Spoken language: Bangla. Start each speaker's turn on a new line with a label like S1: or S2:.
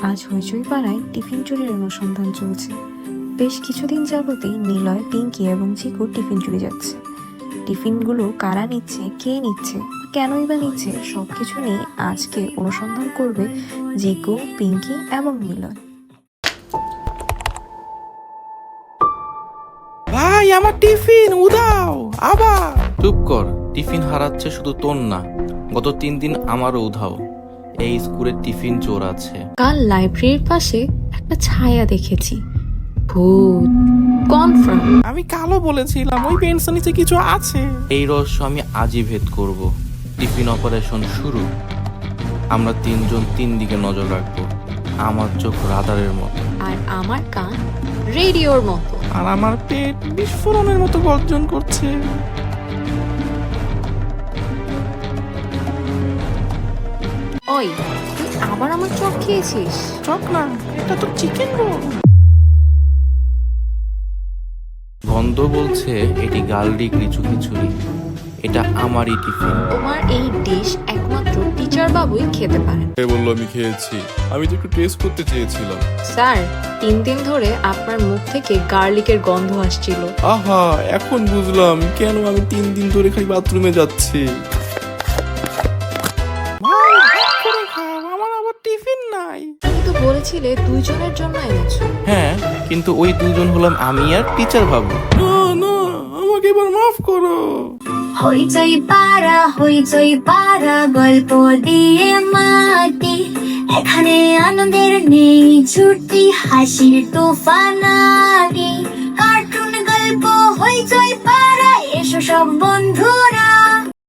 S1: আজ হইচই পাড়ায় টিফিন চুরির অনুসন্ধান চলছে। বেশ কিছুদিন যাবতই নিলয়, পিঙ্কি এবং চিকু টিফিন চুরি যাচ্ছে। টিফিনগুলো কারা নিচ্ছে, কে নিচ্ছে, কেনই বা নিচ্ছে, সবকিছু নিয়ে আজকে অনুসন্ধান করবে জিকু, পিঙ্কি এবং নিলয়।
S2: ভাই আমার টিফিন উদাও আবার।
S3: চুপ কর, টিফিন হারাচ্ছে শুধু তোর না, গত 3 দিন আমারও উধাও। এই স্কুলে টিফিন চোর আছে।
S1: কাল লাইব্রেরির পাশে একটা ছায়া দেখেছি, ভূত কনফার্ম।
S2: আমি কালো বলেছিলাম, ওই পেন্সিল নিচে কিছু আছে।
S3: এই রহস্য আমি আজই ভেদ করব। টিফিন অপারেশন শুরু। আমরা 3 জন 3 দিকে নজর রাখবো। আমার চোখ রাডারের মতো,
S1: আর আমার কান রেডিওর মতো।
S2: আর আমার পেট বিস্ফোরণের মতো গর্জন করছে।
S1: ওই, তুই আবার আমার চোখ খেয়েছিস?
S2: চক না, এটা তো চিকেন রোল।
S3: গন্ধ বলছে এটি গার্লিক লিচু খিচুড়ি। এটা আমারই টিফিন।
S1: তোমার এই ডিশ একমাত্র টিচার বাবুই খেতে পারেন।
S4: কে বললো আমি খেয়েছি? আমি তো একটু টেস্ট করতে চেয়েছিলাম।
S1: স্যার, 3 দিন ধরে আপনার মুখ থেকে গার্লিকের গন্ধ আসছিল।
S4: আহা, এখন বুঝলাম কেন আমি 3 দিন ধরে খালি বাথরুমে যাচ্ছি।
S2: ভাই ভাগ করে খাও, আমার আবার টিফিন নাই।
S1: তুমি তো বলেছিলে 2 জনের জন্য এনেছো।
S3: হ্যাঁ, কিন্তু ওই 2 জন হলাম আমি আর টিচার বাবু।
S2: না না, আমাকে এবার মাফ করো।
S5: হইচই পাড়া গল্প দিয়ে মাটি, এখানে আনন্দের নেই ছুটি, হাসির তুফানারি, কার্টুন গল্প হইচই পাড়া, এসো সব বন্ধুরা